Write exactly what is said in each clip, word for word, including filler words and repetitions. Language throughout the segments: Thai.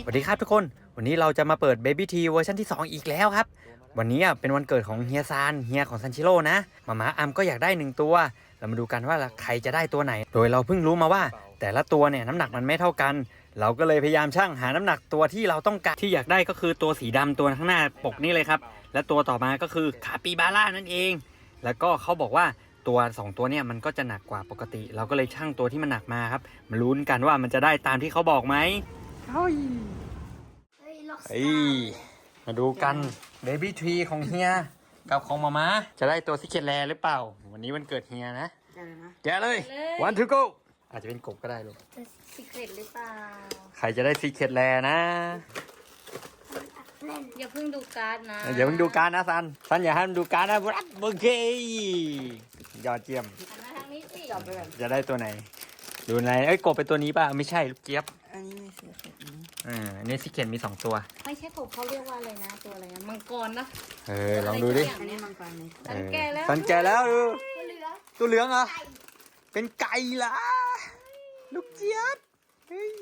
วัสดีครับทุกคนวันนี้เราจะมาเปิด Baby T เวอร์ชันที่สองอีกแล้วครับวันนี้เป็นวันเกิดของเฮียซานเฮียของซันชิโร่นะมาม่าอัมก็อยากได้หนึ่งตัวเรามาดูกันว่าใครจะได้ตัวไหนโดยเราเพิ่งรู้มาว่าแต่ละตัวเนี่ยน้ำหนักมันไม่เท่ากันเราก็เลยพยายามชั่งหาน้ำหนักตัวที่เราต้องการที่อยากได้ก็คือตัวสีดำตัวข้างหน้าปกนี่เลยครับและตัวต่อมาก็คือคาปิบาร่านั่นเองแล้วก็เขาบอกว่าตัวสองตัวเนี่ยมันก็จะหนักกว่าปกติเราก็เลยชั่งตัวที่มันหนักมาครับมาลุ้นกันว่ามันจะได้ตามที่เขาบอกไหมเฮ้ยเฮ้ยมาดูกันเบบี้ทรีของเฮียกับของมาม่าจะได้ตัวซิกเก็ตแลหรือเปล่าวันนี้วันเกิดเฮียนะแกะเลยวันทูโกอาจจะเป็นกบก็ได้ลูกจะซิกเก็ตหรือเปล่าใครจะได้ซิกเก็ตแลนะอย่าเพิ่งดูการ์ดนะอย่าเพิ่งดูการ์ดนะซันซันอย่าให้มันดูการ์ดนะรัดโอเคยอดเยี่ยมทางนี้สิจะได้ตัวไหนดูไหนเอ้ยกบเป็นตัวนี้ป่ะไม่ใช่ลูกเจี๊ยบอันนี้ไม่ซิกเก็ตนี้อ่าอันนี้ซิกเก็ตมีสองตัวไม่ใช่กบเขาเรียกว่าอะไรนะตัวอะไรนะมังกรนะเออลองดูดิอันนี้มังกรนี่สันแก่แล้วสันแก่แล้วดูตัวเหลืองเหรอเป็นไก่ละลูกเจี๊ยบเฮ้ย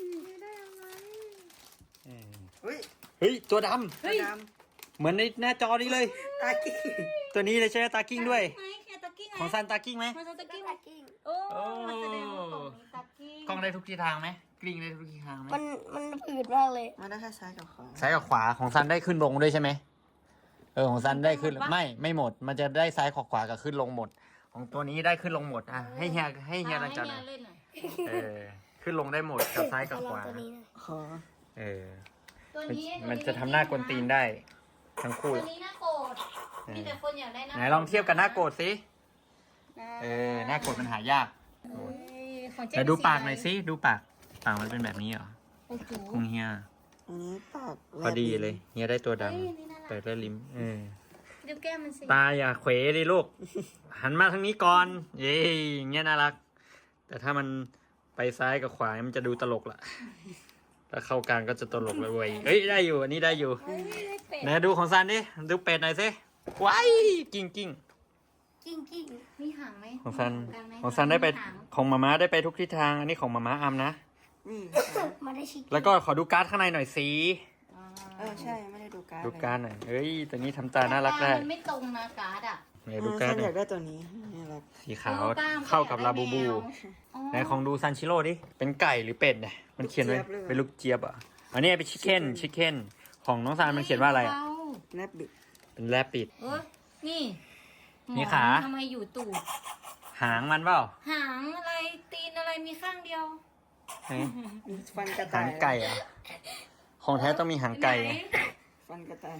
เฮ้ยเฮ้ยตัวดำเฮ้ยเหมือนในหน้าจอนี้เลยตากิ้งตัวนี้เลยใช่ไหมตากิ้งด้วยของซันตากิ้งไหมของซันตากิ้งตากิ้งโอ้แสดงว่าของนี้ตากิ้งกล้องได้ทุกทิศทางไหมกลิ้งได้ทุกทิศทางไหมมันมันผืดมากเลยมันได้แค่ซ้ายกับขวาซ้ายกับขวาของซันได้ขึ้นลงด้วยใช่ไหมเออของซันได้ขึ้นไม่ไม่หมดมันจะได้ซ้ายขวาขวากับขึ้นลงหมดของตัวนี้ได้ขึ้นลงหมดอ่ะให้เฮียให้เฮียลังจันเออขึ้นลงได้หมดกับซ้ายกับขวาเออมันจะทำหน้ากวนตีนได้ทั้งคู่ตัวนี้หน้าโกรธมีแต่คนอยากได้หน้าไหนลองเทียบกันหน้าโกรธสิเออหน้าโกรธมันหายากแต่ดูปากหน่อยสิดูปากปากมันเป็นแบบนี้เหรอของเฮียอันนี้ปากพอดีเลยเฮียได้ตัวดำเปิดแล้วลิ้มเออดูแก้มมันสิตาอย่าเขวดิลูกหันมาทางนี้ก่อนเย้อย่างเงี้ยน่ารักแต่ถ้ามันไปซ้ายกับขวามันจะดูตลกละถ้าเข้ากลางก็จะตลกเลยเว้ยเฮ้ยได้อยู่อันนี้ได้อยู่ไหนดูของซันดิดูเป็ดหน่อยสิว้ายกิ้งกิ้งกิ้งกิ้งมีหางไหมของซันของซันได้ไปของมาม่าได้ไปทุกทิศทางอันนี้ของมาม่าอัมนะมาได้ชิคแล้วก็ขอดูการ์ดข้างในหน่อยสิเออใช่ไม่ได้ดูการ์ดดูการ์ดหน่อยเฮ้ยตัวนี้ทำตาน่ารักได้มันไม่ตรงนะการ์ดอ่ะไหนดูการ์ดอยากได้ตัวนี้สีขาวเข้ากับลาบูบูไหนของดูซันชิโร่ดิเป็นไก่หรือเป็ดเนี่ยมันเขียนไว้เป็นลูกเจี๊ยบอ่ะอันนี้เป็นชิคเก้นชิคเก้นของน้องซานมันเขียนว่าอะไรอ่ะแรบบิดเป็นแรบบิดเออนี่นี่ขาทำไมอยู่ตูดหางมันเปล่าหางอะไรตีนอะไรมีข้างเดียวฟันกระต่ายหางไก่อ่ะของแท้ต้องมีหางไก่ฟันกระต่าย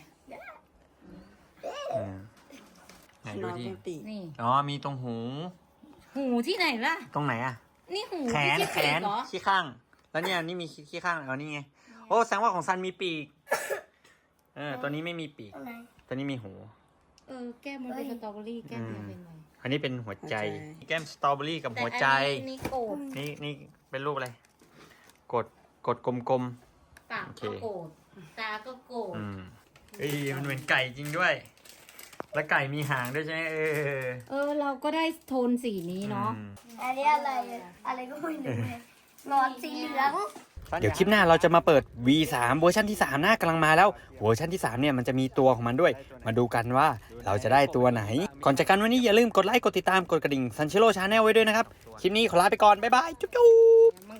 ไหนดูที่นี่อ๋อมีตรงหูหูที่ไหนล่ะตรงไหนอ่ะนี่หูแขนแขนขี้ข้างแล้วเนี่ยนี่มีขี้ข้างอ๋อนี่ไงโอ้แสดงว่าของซันมีปีกเออตัวนี้ไม่มีปีกตัวนี้มีหูเออแก้มมันเป็นสตรอเบอรี่แก้มมันเป็นอะไรอันนี้เป็นหัวใจแก้มสตรอเบอรี่กับหัวใจนี่โกดนี่นี่เป็นรูปอะไรกดกดกลมๆปากก็โกดตาก็โกดอืมเฮ้ยมันเหมือนไก่จริงด้วยแล้วไก่มีหางด้วยใช่ไหมเออเออเราก็ได้โทนสีนี้เนาะอันนี้อะไรอะไรก็ไม่รู้เลยหลอดสีเหลืองเดี๋ยวคลิปหน้าเราจะมาเปิด วี สาม เวอร์ชันที่สามหน้ากำลังมาแล้วเวอร์ชันที่สามเนี่ยมันจะมีตัวของมันด้วยมาดูกันว่าเราจะได้ตัวไหนก่อนจากกันวันนี้อย่าลืมกดไลค์กดติดตามกดกระดิ่งซันชิโร่ชาแนลไว้ด้วยนะครับคลิปนี้ขอลาไปก่อนบ๊ายบายจุ๊บ